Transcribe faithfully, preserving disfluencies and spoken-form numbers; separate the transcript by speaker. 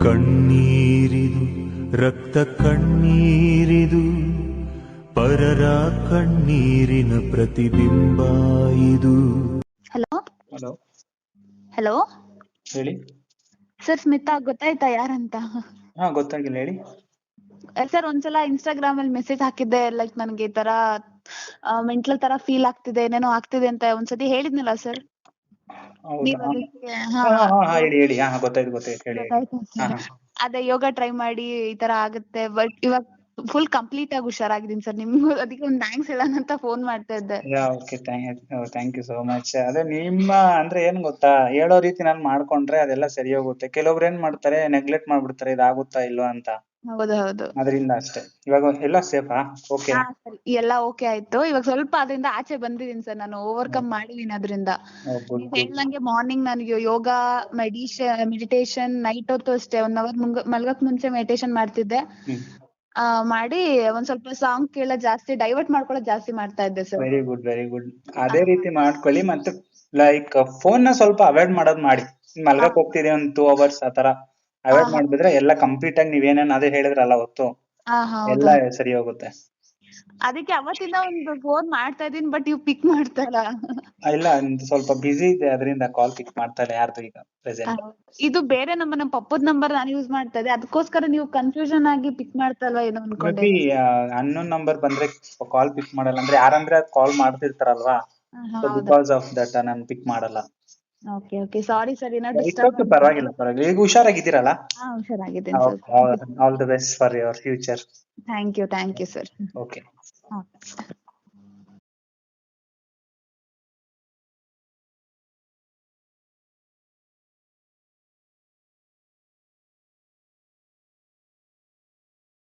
Speaker 1: ಕಣ್ಣೀರಿದು ರಕ್ತ ಕಣ್ಣೀರಿದು ಪರರ ಕಣ್ಣೀರಿನ ಪ್ರತಿಬಿಂಬ ಇದು.
Speaker 2: ಹಲೋ
Speaker 3: ಹಲೋ
Speaker 2: ಹಲೋ
Speaker 3: ಹೇಳಿ.
Speaker 2: ಸರ್ ಸ್ಮಿತಾ ಗೊತ್ತಾಯ್ತಾ ಯಾರಂತ?
Speaker 3: ಹಾ ಗೊತ್ತಾಗಿಲ್ಲ, ಹೇಳಿ.
Speaker 2: ಸರ್ ಒಂದ್ಸಲ ಇನ್ಸ್ಟಾಗ್ರಾಮ್ ಅಲ್ಲಿ ಮೆಸೇಜ್ ಹಾಕಿದ್ದೆ, ಲೈಕ್ ನನ್ಗೆ ಈ ತರ ಮೆಂಟಲ್ ತರ ಫೀಲ್ ಆಗ್ತಿದೆ, ಏನೇನೋ ಆಗ್ತಿದೆ ಅಂತ ಒಂದ್ಸತಿ ಹೇಳಿದ್ನಲ್ಲ ಸರ್.
Speaker 3: ಹೌದಾ?
Speaker 2: ನೀವ್ ಅದಕ್ಕೆ
Speaker 3: ಹಾ ಹಾ ಹಾ ಹೇಳಿ ಹೇಳಿ. ಹಾ ಗೊತ್ತಾಯ್ತು ಗೊತ್ತಾಯ್ತು ಹೇಳಿ ಹೇಳಿ.
Speaker 2: ಗೊತ್ತಾಯ್ತಾ
Speaker 3: ಹಾ
Speaker 2: ಸರ್?
Speaker 3: ಹಾ
Speaker 2: ಅದೇ ಯೋಗ ಟ್ರೈ ಮಾಡಿ ಈ ತರ ಆಗುತ್ತೆ, ಬಟ್ ಇವಾಗ ಫುಲ್ ಕಂಪ್ಲೀಟ್ ಆಗಿ ಹುಷಾರಾಗಿದ್ದೀನಿ ಸರ್. ನಿಮ್ಗೂ ಅದಕ್ಕೆ ಒಂದು ಥ್ಯಾಂಕ್ಸ್ ಹೇಳೋಣ ಅಂತ ಫೋನ್ ಮಾಡ್ತಾ ಇದ್ದೆ.
Speaker 3: Yeah okay, thank you so much. ಅದೇ ನಿಮ್ಮ ಅಂದ್ರೆ ಏನ್ ಗೊತ್ತಾ, ಹೇಳೋ ರೀತಿ ನಾನು ಮಾಡ್ಕೊಂಡ್ರೆ ಅದೆಲ್ಲ ಸರಿ ಹೋಗುತ್ತೆ. ಕೆಲವೊಬ್ರು ಏನ್ ಮಾಡ್ತಾರೆ, ನೆಗ್ಲೆಕ್ಟ್ ಮಾಡ್ಬಿಡ್ತಾರೆ, ಇದಾಗುತ್ತಾ ಇಲ್ವಾ ಅಂತ.
Speaker 2: ಹೌದು ಹೌದು.
Speaker 3: ಅದರಿಂದ ಅಷ್ಟೇ. ಇವಾಗ ಎಲ್ಲ ಸೇಫಾ? ಓಕೆ.
Speaker 2: ಹಾ ಸರ್, ಎಲ್ಲ ಓಕೆ ಆಯ್ತು. ಇವಾಗ ಸ್ವಲ್ಪ ಅದರಿಂದ ಆಚೆ ಬಂದಿದ್ದೀನಿ ಸರ್, ನಾನು ಓವರ್ಕಮ್ ಮಾಡಿದೀನಿ ಅದರಿಂದ.
Speaker 3: ಗುಡ್
Speaker 2: ನೀವ್
Speaker 3: ಗುಡ್.
Speaker 2: ಹೇಳ್ದಂಗೆ ಮಾರ್ನಿಂಗ್ ನನಗೆ ಯೋಗ, ಮೆಡಿಷನ್ ಮೆಡಿಟೇಷನ್, ನೈಟ್ ಹೊತ್ತು ಅಷ್ಟೇ ಒನ್ ಅವರ್ ಮಲ್ಗಕ್ ಮುಂಚೆ ಮೆಡಿಟೇಷನ್ ಮಾಡ್ತಿದ್ದೆ.
Speaker 3: ಹ್ಮ್
Speaker 2: ಆ ಮಾಡಿ ಒಂದ್ ಸ್ವಲ್ಪ ಸಾಂಗ್ ಕೇಳೋದ್ ಜಾಸ್ತಿ, ಡೈವರ್ಟ್ ಮಾಡ್ಕೊಳ್ಳೋದ್ ಜಾಸ್ತಿ ಮಾಡ್ತಾ ಇದ್ದೆ sir.
Speaker 3: Very good very good. ಅದೇ ರೀತಿ ಮಾಡ್ಕೊಳ್ಳಿ. ಮತ್ತೆ ಲೈಕ್ ಫೋನ್ ನ ಸ್ವಲ್ಪ ಅವಾಯ್ಡ್ ಮಾಡೋದ್ ಮಾಡಿ. ಮಲ್ಗಕ್ ಹೋಗ್ತಿದೆ ಒಂದ್ ಟೂ ಅವರ್ಸ್ ಆತರ ಅವಾಯ್ಡ್ ಮಾಡ್ಬಿಟ್ರೆ ಎಲ್ಲ ಕಂಪ್ಲೀಟ್ ಆಗಿ ನೀವೇನೇನ್ ಅದೇ ಹೇಳಿದ್ರಲ್ಲ ಹೊತ್ತು
Speaker 2: ಹಾ ಹೌದು.
Speaker 3: ಎಲ್ಲ ಸರಿ ಹೋಗುತ್ತೆ.
Speaker 2: ಅದಕ್ಕೆ ಅವತ್ತಿಂದ ಒಂದು ಫೋನ್ ಮಾಡ್ತಾ ಇದೀನಿ, ಬಟ್ ನೀವು ಪಿಕ್ ಮಾಡ್ತಾ ಇಲ್ಲ.
Speaker 3: ಇಲ್ಲ, ಒಂದು ಸ್ವಲ್ಪ ಬಿಸಿ ಇದೆ, ಅದರಿಂದ ಕಾಲ್ ಪಿಕ್ ಮಾಡ್ತಾ ಇಲ್ಲ ಯಾರ್ದು ಈಗ ಪ್ರೆಸೆಂಟ್.
Speaker 2: ಇದು ಬೇರೆ ನಂಬರ್, ನಮ್ಮ ಪಪ್ಪದ ನಂಬರ್ ನಾನು ಯೂಸ್ ಮಾಡ್ತಾ ಇದ್ದೆ, ಅದಕ್ಕೋಸ್ಕರ ನೀವು ಕನ್ಫ್ಯೂಷನ್ ಆಗಿ ಪಿಕ್ ಮಾಡ್ತಾ ಇಲ್ವಾ ಏನೋ ಅನ್ಕೊಂಡೆ.
Speaker 3: ಮೇ ಬಿ ಅನ್ನೋನ್ ನಂಬರ್ ಬಂದ್ರೆ ಕಾಲ್ ಪಿಕ್ ಮಾಡಲ್ಲ, ಅಂದ್ರೆ ಯಾರಂದ್ರೆ ಕಾಲ್ ಮಾಡ್ತಿರ್ತಾರಲ್ವಾ, ಸೊ ಬಿಕಾಸ್ ಆಫ್ ದಟ್ ನಾನು ಪಿಕ್ ಮಾಡಲ್ಲ.
Speaker 2: ಓಕೆ ಓಕೆ, ಸಾರಿ ಸರ್, ಏನೋ
Speaker 3: ಇಟ್ಸ್
Speaker 2: ಡಿಸ್ಟರ್ಬ್
Speaker 3: ಓಕೆ, ಪರವಾಗಿಲ್ಲ ಪರವಾಗಿಲ್ಲ. ಈಗ ಹುಷಾರಾಗಿದ್ದೀರಲ್ಲ?
Speaker 2: ಹಾ ಹುಷಾರಾಗಿದ್ದೀನಿ sir.
Speaker 3: All the best for your future.
Speaker 2: Thank you thank you sir.
Speaker 3: Okay.